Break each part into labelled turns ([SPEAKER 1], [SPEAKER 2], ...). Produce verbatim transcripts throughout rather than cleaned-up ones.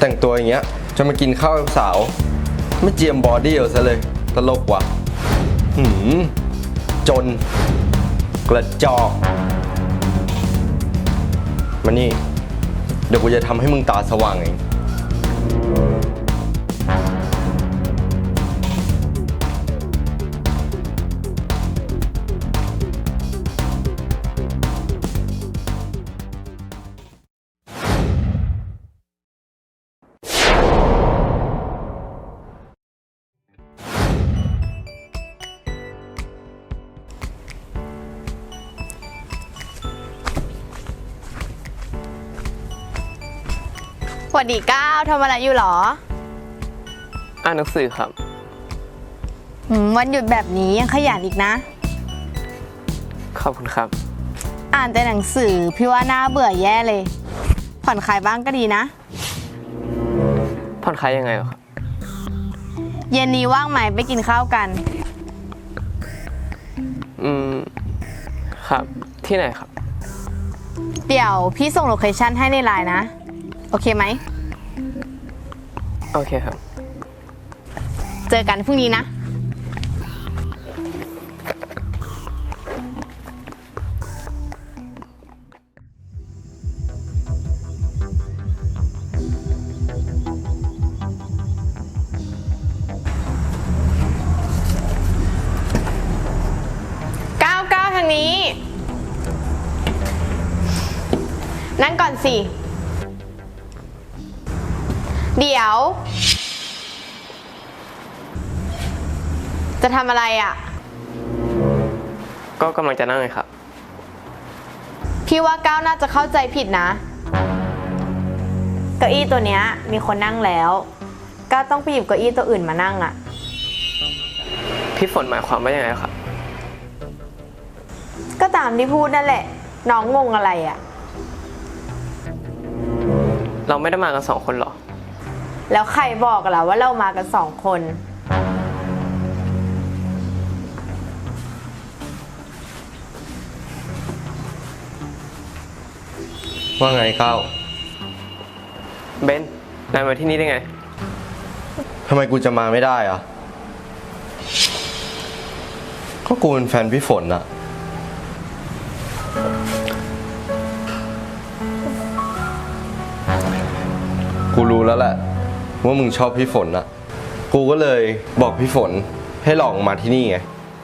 [SPEAKER 1] แต่งตัวอย่างเงี้ยจะมากินข้าวกับสาวไม่เจียมบอดี้เอาซะเลยตลกว่ะหืมจนกระจอกมานี่เดี๋ยวกูจะทำให้มึงตาสว่างเอง
[SPEAKER 2] สวัสดีก้าวทำอะไรอยู่หรอ
[SPEAKER 3] อ่านหนังสือครับ
[SPEAKER 2] วันหยุดแบบนี้ยังขยันอีกนะ
[SPEAKER 3] ขอบคุณครับ
[SPEAKER 2] อ่านแต่หนังสือพี่ว่าน่าเบื่อแย่เลยผ่อนคลายบ้างก็ดีนะ
[SPEAKER 3] ผ่อนคลายยังไงหรอครับ
[SPEAKER 2] เย็นนี้ว่างไหมไปกินข้าวกัน
[SPEAKER 3] อืมครับที่ไหนครับ
[SPEAKER 2] เดี๋ยวพี่ส่งโลเคชั่นให้ในไลน์นะโอเคไหม
[SPEAKER 3] โอเคครับ
[SPEAKER 2] เจอกันพรุ่งนี้นะก้าวก้าวทางนี้นั่งก่อนสิเดี๋ยวจะทำอะไรอ่ะ
[SPEAKER 3] ก็กำลังจะนั่งเลยครับ
[SPEAKER 2] พี่ว่าก้าวน่าจะเข้าใจผิดนะเก้าอี้ตัวเนี้ยมีคนนั่งแล้วก้าวต้องไปหยิบเก้าอี้ตัวอื่นมานั่งอ่ะ
[SPEAKER 3] พี่ฝนหมายความว่ายังไงครับ
[SPEAKER 2] ก็ตามที่พูดนั่นแหละน้องงงอะไรอ่ะ
[SPEAKER 3] เราไม่ได้มากันสองคนหรอ
[SPEAKER 2] แล้วใครบอกล่ะว่าเรามากันสองคน
[SPEAKER 1] ว่าไงก้าว
[SPEAKER 3] เบนนายมาที่นี่ได้ไง
[SPEAKER 1] ทำไมกูจะมาไม่ได้อะก็กูเป็นแฟนพี่ฝนอะกูรู้แล้วแหละว่ามึงชอบพี่ฝนอะกูก็เลยบอกพี่ฝนให้หลอกมาที่นี่ไง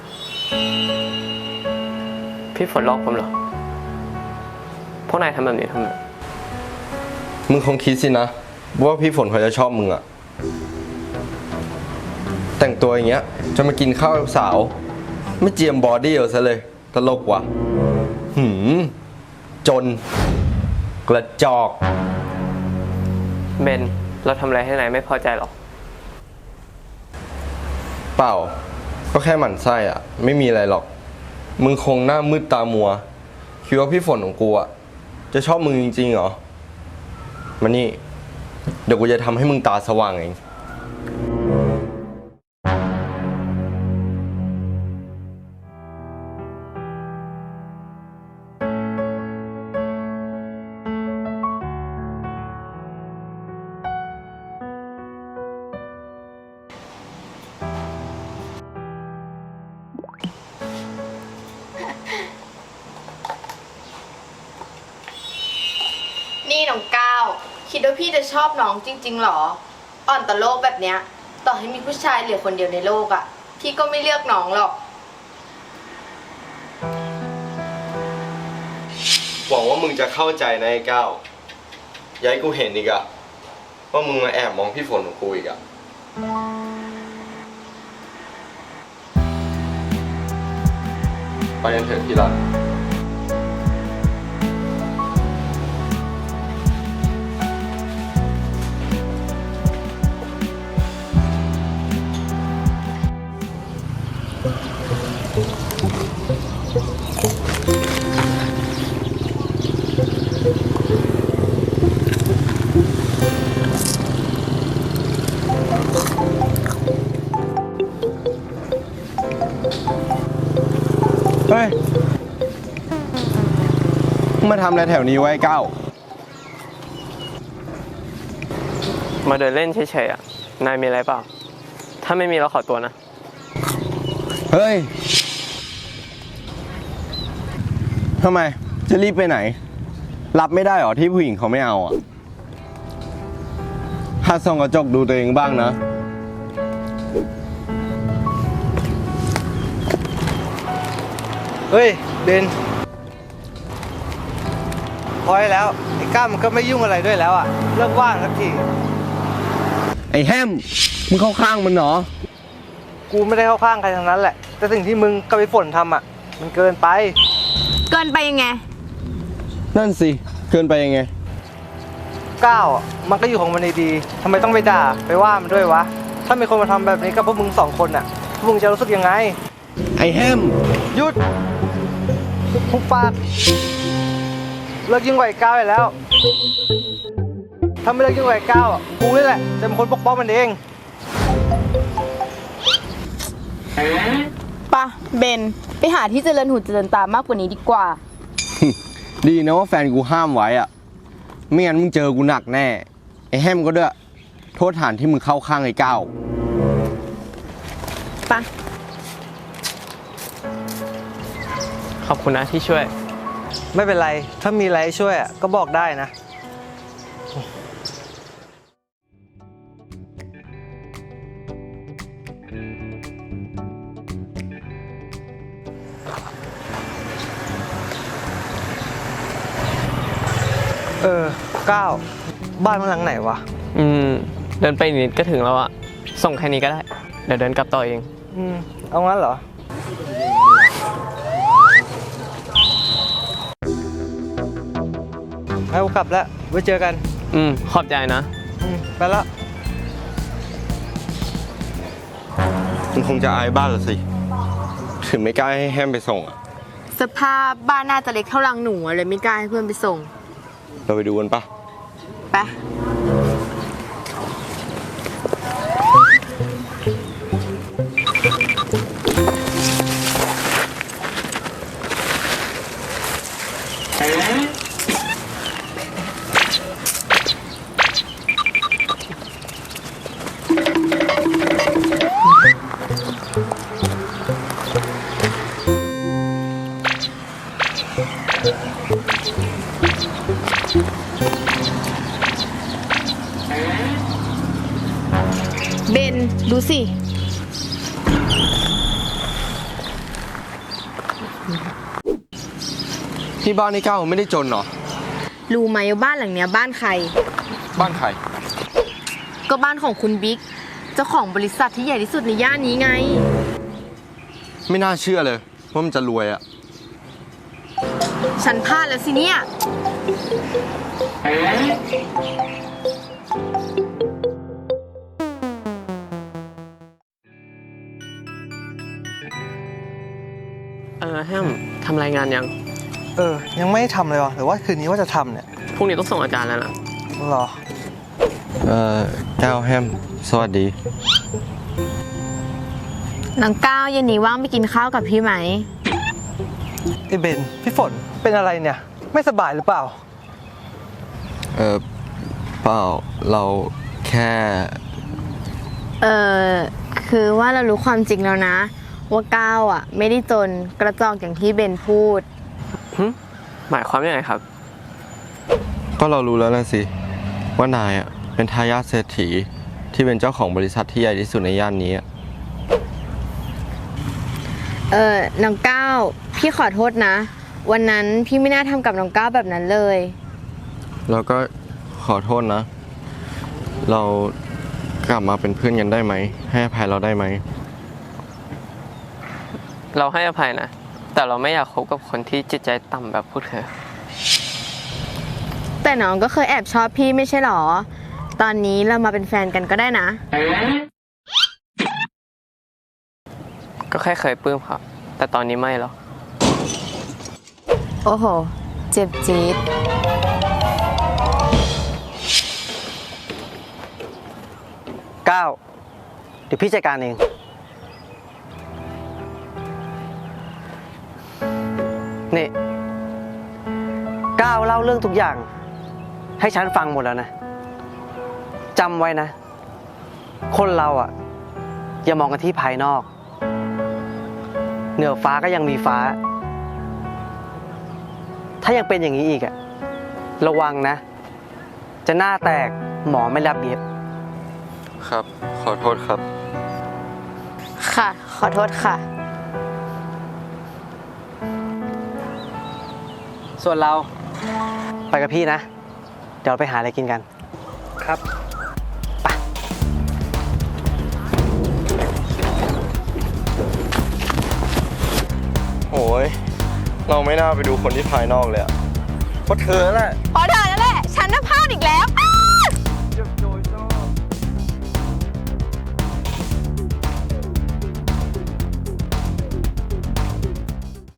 [SPEAKER 3] พี่ฝนหลอกผมเหรอพวกนายทำแบบนี้ทำไม
[SPEAKER 1] มึงคงคิดสินะว่าพี่ฝนเขาจะชอบมึงอะแต่งตัวอย่างเงี้ยจะมากินข้าวกับสาวไม่เจียมบอดี้เอาซะเลยตลกว่ะหืมจนกระจอก
[SPEAKER 3] เบนเราทำอะไรให้นายไม่พอใจหรอ
[SPEAKER 1] เปล่าก็แค่หมั่นไส้อะไม่มีอะไรหรอกมึงคงหน้ามืดตามัวคิดว่าพี่ฝนของกูอะจะชอบมึงจริงๆเหรอมานี่เดี๋ยวกูจะทำให้มึงตาสว่างเอง
[SPEAKER 2] นี่น้องก้าวคิดว่าพี่จะชอบน้องจริงๆหรออ่อนต่อโลกแบบเนี้ยต่อให้มีผู้ชายเหลือคนเดียวในโลกอ่ะพี่ก็ไม่เลือกน้องหรอก
[SPEAKER 1] หวังว่ามึงจะเข้าใจนะไอ้ก้าวอย่าให้กูเห็นอีกอะว่ามึงมาแอบมองพี่ฝนของกูอีกอะไปกันเถอะที่รักเฮ้ยมึงมาทำอะไรแถวนี้ไว้ก้าว
[SPEAKER 3] มาเดินเล่นเฉยๆอ่ะ นายมีอะไรเปล่า ถ้าไม่มีเราขอตัวนะ
[SPEAKER 1] เฮ้ย ทำไม จะรีบไปไหน รับไม่ได้หรอที่ผู้หญิงเขาไม่เอาอ่ะหัดส่องกระจกดูตัวเองบ้างนะ
[SPEAKER 4] เฮ้ยเบนพอได้แล้วไอ้ก้ามันก็ไม่ยุ่งอะไรด้วยแล้วอ่ะเลิกว่างสักที
[SPEAKER 1] ไอ้แฮม มึงเข้าข้างมันเหรอ
[SPEAKER 4] กูไม่ได้เข้าข้างใครทั้งนั้นแหละแต่สิ่งที่มึงกับไอ้ฝนทำอ่ะมันเกินไป
[SPEAKER 2] เกินไปยังไง
[SPEAKER 1] นั่นสิ เกินไปยังไง
[SPEAKER 4] ก้าวอ่ะมันก็อยู่ของมันดีๆทำไมต้องไปด่าไปว่ามันด้วยวะถ้ามีคนมาทำแบบนี้กับพวกมึงสองคนอ่ะพวกมึงจะรู้สึกยังไง
[SPEAKER 1] ไอ้แฮม
[SPEAKER 4] หยุดทุกปากเลิกยิ่งกว่าไอ้ก้าวไปแล้วถ้าไม่เลิกยิ่งกว่าไอ้ก้าวอ่ะกูนี่แหละจะเป็นคนปกป้องมันเอง
[SPEAKER 2] ปะเบน ไปหาที่เจริญหูเจริญตามากกว่านี้ดีกว่า
[SPEAKER 1] ดีนะว่าแฟนกูห้ามไว้อ่ะ ไม่งั้นมึงเจอกูหนักแน่ ไอ้แฮมก็ด้วย โทษฐานที่มึงเข้าข้างไอ้ก้าว
[SPEAKER 2] ปะ
[SPEAKER 3] ขอบคุณนะที่ช่วย
[SPEAKER 4] ไม่เป็นไร ถ้ามีอะไรให้ช่วยอะก็บอกได้นะ เออก้าวบ้านมันหลังไหนวะ
[SPEAKER 3] อืม เดินไปอีกนิดก็ถึงแล้วอ่ะ ส่งแค่นี้ก็ได้ เดี๋ยวเดินกลับต่อเอง
[SPEAKER 4] อืม เอางั้นเหรอ เอากลับแล้ว ไว้เจอกัน
[SPEAKER 3] อืม ขอบใจนะ
[SPEAKER 4] อืม ไปแล้ว
[SPEAKER 1] มึงคงจะอายบ้านละสิ ถึงไม่กล้าให้แฮมไปส่งอะ
[SPEAKER 2] สภาพบ้านน่าจะเล็กเท่ารังหนูอะเลยไม่กล้าให้เพื่อนไปส่ง
[SPEAKER 1] เราไปดูกันปะ
[SPEAKER 2] ไป เบน ดูสิ
[SPEAKER 1] ที่บ้านไอ้ก้าวไม่ได้จนเหรอ
[SPEAKER 2] รู้ไหมว่าบ้านหลังเนี้ยบ้านใคร
[SPEAKER 1] บ้านใคร
[SPEAKER 2] ก็บ้านของคุณบิ๊ก เจ้าของบริษัทที่ใหญ่ที่สุดในย่านนี้ไง
[SPEAKER 1] ไม่น่าเชื่อเลยว่ามันจะรวยอะ
[SPEAKER 2] ฉันพลาดแล้วสิเนี่ย
[SPEAKER 3] เออแฮมทำรายงานยัง
[SPEAKER 4] เออ ยังไม่ได้ทำเลยวะหรือว่าคืนนี้ว่าจะทำเนี่ย
[SPEAKER 3] พรุ่งนี้ต้องส่งอาจารย์แล้วนะ
[SPEAKER 4] หรอ
[SPEAKER 1] เอ่อก้าวแฮม สวัสดี
[SPEAKER 2] น้องก้าวเย็นนี้ว่างไปกินข้าวกับพี่ไหม
[SPEAKER 4] ไอ้เบน พี่ฝน เป็นอะไรเนี่ย ไม่สบายหรือเปล่า
[SPEAKER 1] เออเปล่า เราแค่
[SPEAKER 2] เออคือว่าเรารู้ความจริงแล้วนะ ว่าก้าวอ่ะ ไม่ได้จนกระจอกอย่างที่เบนพูด
[SPEAKER 3] หึหมายความยังไงครับ
[SPEAKER 1] ก็เรารู้แล้วนะสิ ว่านายอ่ะเป็นทายาทเศรษฐีที่เป็นเจ้าของบริษัทที่ใหญ่ที่สุดในย่านนี้อะ
[SPEAKER 2] เออน้องก้าวพี่ขอโทษนะ วันนั้นพี่ไม่น่าทำกับน้องก้าวแบบนั้นเลย
[SPEAKER 1] แล้วก็ขอโทษนะ เรากลับมาเป็นเพื่อนกันได้ไหม ให้อภัยเราได้ไหม
[SPEAKER 3] เราให้อภัยนะ แต่เราไม่อยากคบกับคนที่จิตใจต่ำแบบพวกเธอ
[SPEAKER 2] แต่น้องก็เคยแอบชอบพี่ไม่ใช่หรอ ตอนนี้เรามาเป็นแฟนกันก็ได้นะ
[SPEAKER 3] ก็แค่เคยปลื้มครับ แต่ตอนนี้ไม่หรอก
[SPEAKER 2] โอ้โห เจ็บจี๊ด
[SPEAKER 4] ก้าวเดี๋ยวพี่จัดการเอง นี่ ก้าวเล่าเรื่องทุกอย่าง ให้ฉันฟังหมดแล้วนะ
[SPEAKER 5] จำไว้นะ คนเราอ่ะ อย่ามองกันที่ภายนอก เหนือฟ้าก็ยังมีฟ้า ถ้ายังเป็นอย่างนี้อีกอ่ะ ระวังนะ จะหน้าแตกหมอไม่รับเย็บ
[SPEAKER 1] ครับ ขอโทษครับ
[SPEAKER 2] ค่ะ ขอโทษค่ะ
[SPEAKER 5] ส่วนเราไปกับพี่นะ เดี๋ยวเราไปหาอะไรกินกัน
[SPEAKER 4] ครับ
[SPEAKER 1] โอ้ย เราไม่น่าไปดูคนที่ภายนอกเลยอะเพราะเธอแหละ
[SPEAKER 2] เพราะเธอนั่นแหละ ฉันน่ะพลาดอีกแล้ว